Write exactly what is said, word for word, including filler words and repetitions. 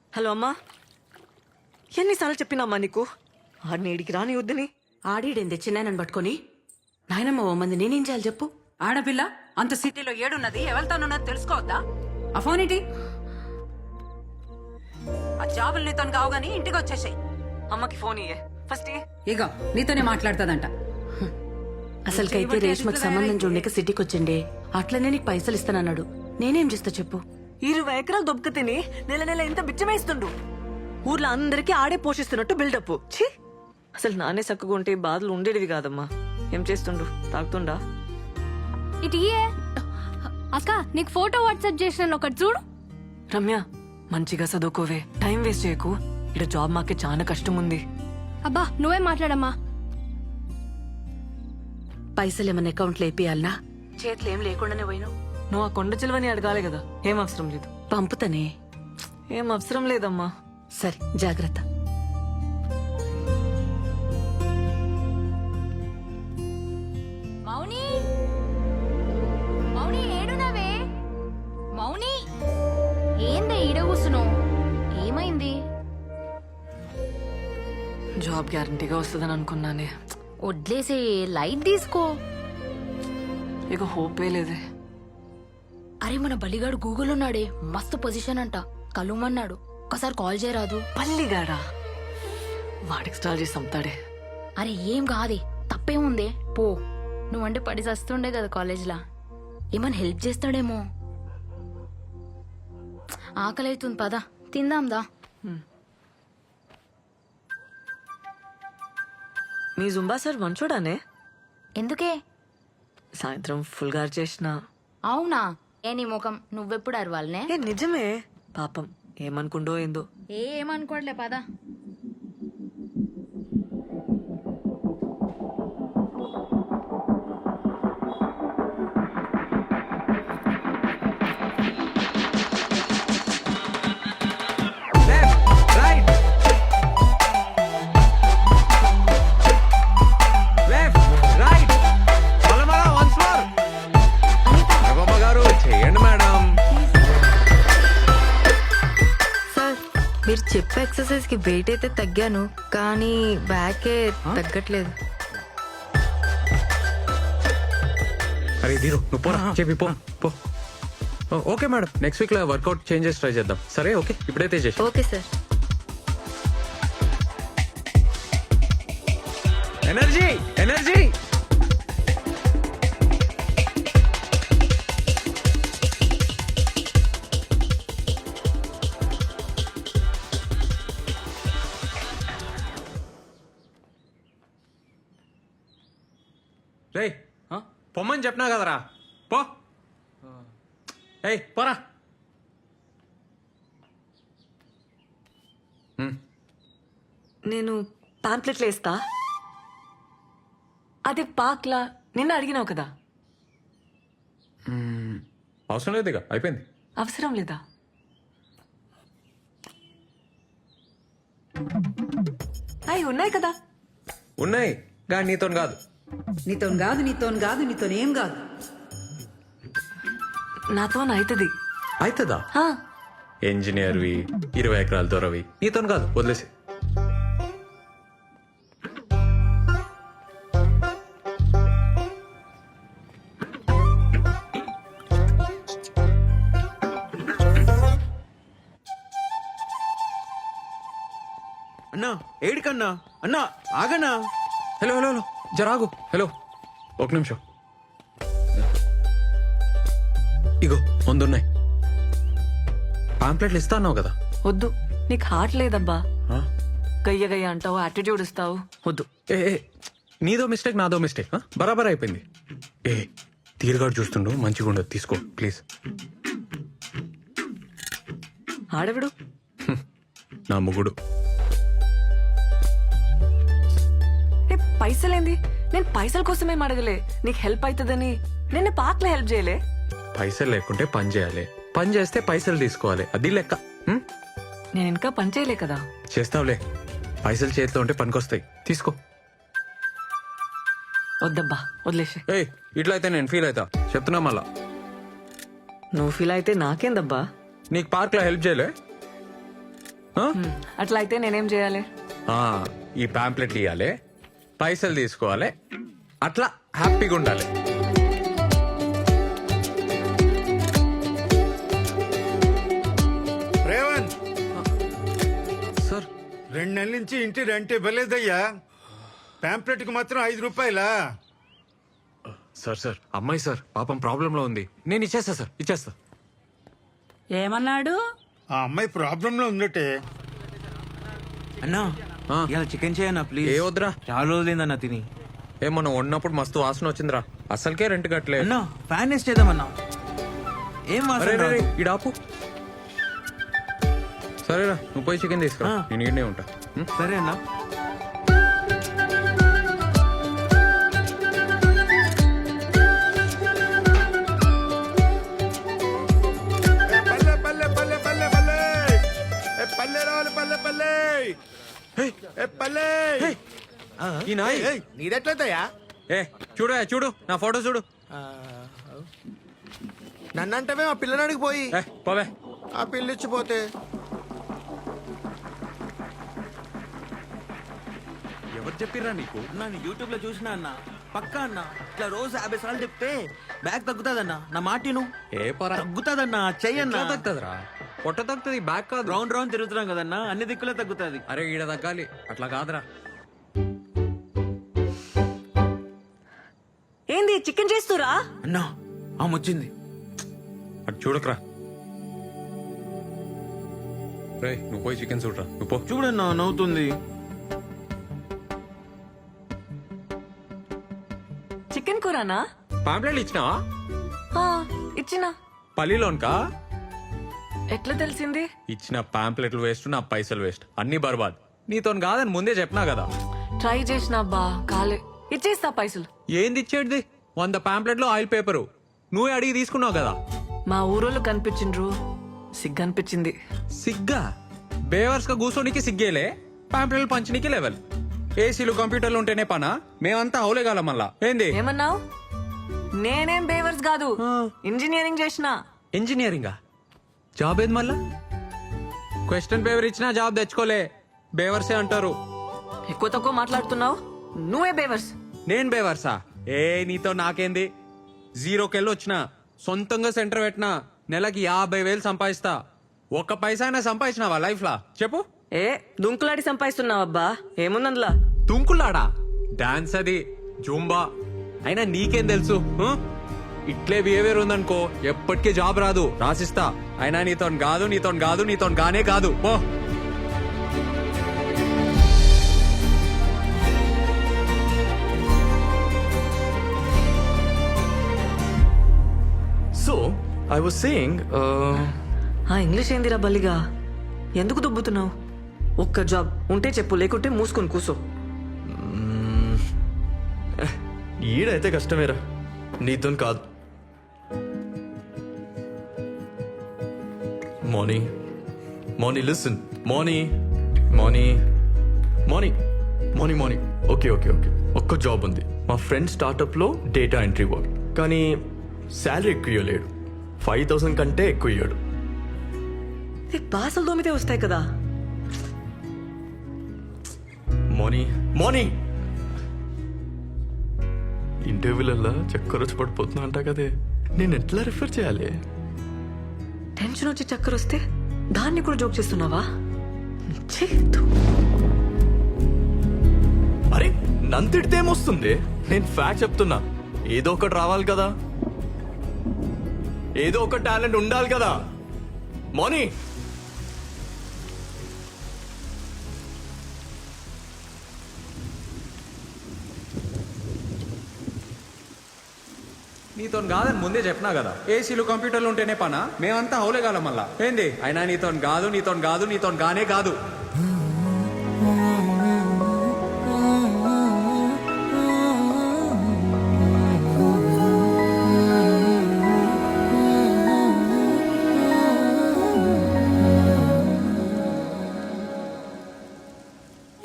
Hello అమ్మా, ఎన్నిసార్లు చెప్పినామ్మా నీకు ఆడిని ఇడికి రాని వద్దని? ఆడీడేం తెచ్చినాయనని పట్టుకొని నాయనమ్మ ఓ మంది నేనేం చేయాలి చెప్పు? ఆడపిల్ల అంత సిటీలో ఏడున్నది ఎవరితోనున్నది తెలుసుకోవద్దా? ఆ ఫోన్ ఏంటి? ఆ జాబులు నీతో కావు గానీ ఇంటికి వచ్చేసాయి. అమ్మకి ఫోన్ ఇయ్యే ఫస్ట్. ఇగో నీతోనే మాట్లాడుతుందంట. అసలుకైతే రేష్మకి సంబంధం చూడలేక సిటీకి వచ్చిండే, అట్లనే నీకు పైసలు ఇస్తానన్నాడు. నేనేం చేస్తా చెప్పు? ఇరవై ఎకరాలు దొబ్బక తిని నెల నెల ఇంత బిచ్చమేస్తుండు. ఊర్లో అందరికీ ఆడే పోషిస్తున్నట్టు బిల్డప్. ఛీ, అసలు నానే చక్కగా ఉంటే బాధలు ఉండేటివి కాదమ్మా. ఏం చేస్తుండు? తాగుతుండా? ఇటు ఇయే. అక్క నీకు ఫోటో వాట్సాప్ చేసిన ఒకటి చూడు. రమ్య, మంచిగా చదువుకోవే, టైం వేస్ట్ చేయకు. ఇక్కడ జాబ్ మాకే చాలా కష్టం ఉంది. అబ్బా నువ్వే మాట్లాడమ్మా. పైసలు ఏమన్నా అకౌంట్లో వేపియాలనా? చేతులు ఏం లేకుండానే పోయినావు. నువ్వు ఆ కొండ చిలువని అడగాలి కదా. ఏం అవసరం లేదు. పంపుతానే. ఏం అవసరం లేదమ్మా. సరే జాగ్రత్త. మౌని, మౌని ఏడునవే? మౌని ఏందే ఈడ కూసున్నావు? ఏమైంది? జాబ్ గ్యారంటీగా వస్తుందని అనుకున్నానే. వడ్లేసే, లైట్ తీసుకో. ఇక హోపే లేదే. అరే మన బలిగాడు గూగుల్ ఉన్నాడే, మస్తు పొజిషన్ అంట, కలుమన్నాడు. ఒకసారి కాల్ చేయరాదు? పల్లిగాడా? వాడికి స్టాల్ చేసి అమ్ముతాడే. అరే ఏం కాదే, తప్పేముందే, పో. నువ్వంటే పడి చస్తుండే కదా కాలేజ్లా, ఏమన్నా హెల్ప్ చేస్తాడేమో. ఆకలి అవుతుంది, పద తిందాందా. మీ జుంబా సార్ మంచోడానే? ఎందుకే? సాయంత్రం ఫుల్ గారు చేసిన. అవునా? ఏ నీ ముఖం, నువ్వెప్పుడు అరవాలనే? ఏ నిజమే. పాపం ఏమనుకుండో ఏందో. ఏ ఏమనుకోవట్లే, పద. మీరు చెప్పే ఎక్సర్సైజ్ కి వెయిట్ అయితే తగ్గాను, కానీ బ్యాకే తగ్గట్లేదు. అరే దీరు నువ్వు పోరా, చెప్పి పో పో. ఓకే మేడం, నెక్స్ట్ వీక్ లో వర్కౌట్ చేంజెస్ ట్రై చేద్దాం. సరే ఓకే, ఇప్పుడైతే చేసి. Okay sir. Energy energy. రేయ్ పొమ్మని చెప్పినా కదరా, పో. ఏయ్ పోరా. నేను పాంప్లెట్లు వేస్తా. అదే పాక్లా నిన్న అడిగినావు కదా. అవసరం లేదు, ఇక అయిపోయింది. అవసరం లేదా? అవి ఉన్నాయి కదా. ఉన్నాయి కానీ నీతో కాదు. నీతో కాదు, నీతో కాదు, నీతోనేం కాదు. నాతో అవుతుంది. అవుతుందా? ఇంజనీర్వి, ఇరవై ఎకరాల దొరవి, నీతో కాదు, వదిలేసి. అన్నా ఏడికన్నా? అన్నా ఆగన్నా. హలో హలో హలో జరాగు. హలో ఒక నిమిషం. ఇగో ముందున్నాయి పాంప్లెట్లు. ఇస్తా అన్నావు కదా. వద్దు, నీకు హార్ట్ లేదబ్బా. గయ్య గయ్య అంటావు, యాటిట్యూడ్ ఇస్తావు. వద్దు. ఏ ఏ, నీదో మిస్టేక్ నాదో మిస్టేక్, బరాబర్ అయిపోయింది. ఏ తీరుగాడు చూస్తుండు, మంచిగా ఉండదు, తీసుకో ప్లీజ్. ఆడవిడు నా ముగుడు. పైసలేంది? నేను పైసల కోసమేం అడగలే, నీకు హెల్ప్ అవుతుందని. నిన్న పాక్లో హెల్ప్ చేయలే. పైసలు లేకుంటే పని చేయాలి, పని చేస్తే పైసలు తీసుకోవాలి, అది లెక్క. హ్మ్? నేను ఇంకా పని చేయలే కదా. చేస్తావులే, పైసలు చేతిలో ఉంటే పనికొస్తాయి, తీసుకో. వద్దబ్బా, వదిలేసే. ఏయ్ ఇట్లా అయితే నేను ఫీల్ అవుతా, చెప్తున్నా మళ్ళా. నువ్వు ఫీల్ అయితే నాకేందబ్బా. నీకు పార్క్లో హెల్ప్ చేయలే? ఆ? అట్లా అయితే నేనేం చేయాలి? ఆ, ఈ పాంప్లెట్ ఇవ్వాలి, పైసలు తీసుకోవాలి, అట్లా హ్యాపీగా ఉండాలి. రేవంత్, సార్ రెండు నెలల నుంచి ఇంటి రెంట్ ఇవ్వలేదయ్యా. పాంప్లెట్ కి మాత్రం ఐదు రూపాయలా? సార్ సార్ అమ్మాయి సార్ పాపం ప్రాబ్లంలో ఉంది. నేను ఇచ్చేస్తా సార్, ఇచ్చేస్తా. ఏమన్నాడు? ఆ అమ్మాయి ప్రాబ్లం లో ఉందటే. అన్నా ఆ. ఇలా చికెన్ చేయన్నా ప్లీజ్. ఏ వద్దురా, చాలా రోజులైందన్నా తిని. ఏ మనం ఉన్నప్పుడు మస్తు వాసన వచ్చిందిరా, అసలుకే రెంట్ కట్టలే. అన్నా ఫ్యాన్ వేస్ట్ చేద్దామన్నా. ఏం అరే వాసన రే, రే, రాదు. ఈడ ఆపు. సరేరా, నువ్వు పోయి చికెన్ తీసుకురా, ఆ. నేను ఈడనే ఉంటా. ఉం? సరే అన్నా. ఏ పల్లె పల్లె పల్లె పల్లె పల్లె ఏ పల్లె రావాలి పల్లె పల్లె ఏ పల్లె. ఈ నాయ్ నీదెట్లయితయా? ఏ చూడు ఏ, చూడు నా ఫోటో చూడు. నన్నంటవే మా పిల్లనాడికి పోయి ఏ పోవే. ఆ పిల్లిచ్చిపోతే ఎవరు చెప్పిర్రా నీకు? అన్నా నేను యూట్యూబ్ లో చూసినా అన్న, పక్కా అన్న ఇట్లా రోజు యాభై సార్లు చెప్తే బ్యాగ్ తగ్గుతాదన్నా. నా మాటిను ఏ పరా తగ్గుతాదన్నా, చెయ్యన్నా. తగ్గుతుందిరా, పొట్ట తగ్గుతుంది, బ్యాక్ కాదు. రౌండ్ రౌండ్ తిరుగుతున్నాం కదన్నా, అన్ని దిక్కులే తగ్గుతాది. అరే ఈడ తగ్గాలి, అట్లా కాదురా. ఏంది చికెన్ చేస్తురా? అన్నా ఆమె వచ్చింది. అటు చూడకరా. రే నువ్వు పోయి చికెన్ చూడరా, నువ్వు పో. చూడన్నా నవ్వుతుంది. చికెన్ కూరనా? పాంప్లెట్లు ఇచ్చినావా? ఆ, ఇచ్చినా. పల్లిలోన్కా? ఎట్లా తెలిసింది? ఇచ్చిన పాంప్లెట్లు వేస్ట్, నా పైసలు వేస్ట్, అన్ని బర్బాద్. నీతో కాదని ముందే చెప్పినా కదా. ట్రై చేసినా బా కాలే. ఇచ్చేస్తా పైసలు. ఏంది ఇచ్చేటిది? వంద పాంప్లెట్లు ఆయిల్ పేపరు నువ్వే అడిగి తీసుకున్నావు కదా. మా ఊరోళ్ళు కనిపించిండ్రు, సిగ్గు అనిపించింది. సిగ్గా? బేవర్స్ గా కూర్చోనికి సిగ్గేలే, పాంప్లెట్లు పంచనీకి లెవెల్. ఏసీలు కంప్యూటర్లు ఉంటేనే పనా? మేమంతా అవులేగాల మళ్ళా. ఏంది ఏమన్నావు? నేనేం బేవర్స్ కాదు, ఇంజనీరింగ్ చేసిన. ఇంజనీరింగా? జాబ్ ఏది మళ్ళా? క్వశ్చన్ పేపర్ ఇచ్చినా జాబ్ తెచ్చుకోలే, బేవర్సే అంటారు. ఎక్కువ తక్కువ మాట్లాడుతున్నావు, నువ్వే బేవర్స్. నేను బేవర్సా? ఏ నీతో నాకేంది? జీరోకెళ్ళి వచ్చిన, సొంతంగా సెంటర్ పెట్టినా, నెలకి యాభై వేలు సంపాదిస్తా. ఒక్క పైసా అయినా సంపాదించినావా లైఫ్ లా చెప్పు? ఏ దుంకులాడి సంపాదిస్తున్నావు అబ్బా, ఏముందందులా? తుంకులాడా? డాన్స్ అది, జూంబా. అయినా నీకేం తెలుసు? ఆ? ఇట్లే బిహేవియర్ ఉందనుకో ఎప్పటికీ జాబ్ రాదు, రాసిస్తా. అయినా నీతో కాదు, నీతో కాదు, నీతో గానే కాదు. పో. So, I was saying, uh, ఆ ఇంగ్లీష్ ఏందిరా బల్లిగా? ఎందుకు దుబ్బుతున్నావు? ఒక్క జాబ్ ఉంటే చెప్పు, లేకుంటే మూసుకొని కూసో. ఈడైతే కష్టమేరా, నీతో కాదు. Moni Moni listen Moni Moni Moni Moni Moni okay okay okay ఒక్క జాబ్ ఉంది. మా ఫ్రెండ్ స్టార్టప్లో డేటా ఎంట్రీ వర్క్, కానీ శాలరీ ఎక్కువ ఇవ్వలేడు. ఫైవ్ థౌసండ్ కంటే ఎక్కువ ఇయ్యాడు. బాసలు దోమితే వస్తాయి కదా. మోనీ మోనీ ఇంటర్వ్యూలల్లా చక్కర వచ్చి పడిపోతున్నా అంట కదే, నేను ఎట్లా రిఫర్ చేయాలి? టెన్షన్ వచ్చి చక్కర వస్తే దాన్ని కూడా జోక్ చేస్తున్నావా? ఛీ, ధూ. అరే నన్ను తిడితే ఏమొస్తుంది? నేను ఫ్యాక్ట్ చెప్తున్నా. ఏదో ఒకటి రావాలి కదా, ఏదో ఒక టాలెంట్ ఉండాలి కదా. మోనీ నీతో కాదని ముందే చెప్పినా కదా. ఏసీలు కంప్యూటర్లు ఉంటేనే పనా? మేమంతా అవులేగాల మళ్ళా. ఏంది? అయినా నీతో కాదు, నీతో కాదు, నీతో గానే కాదు.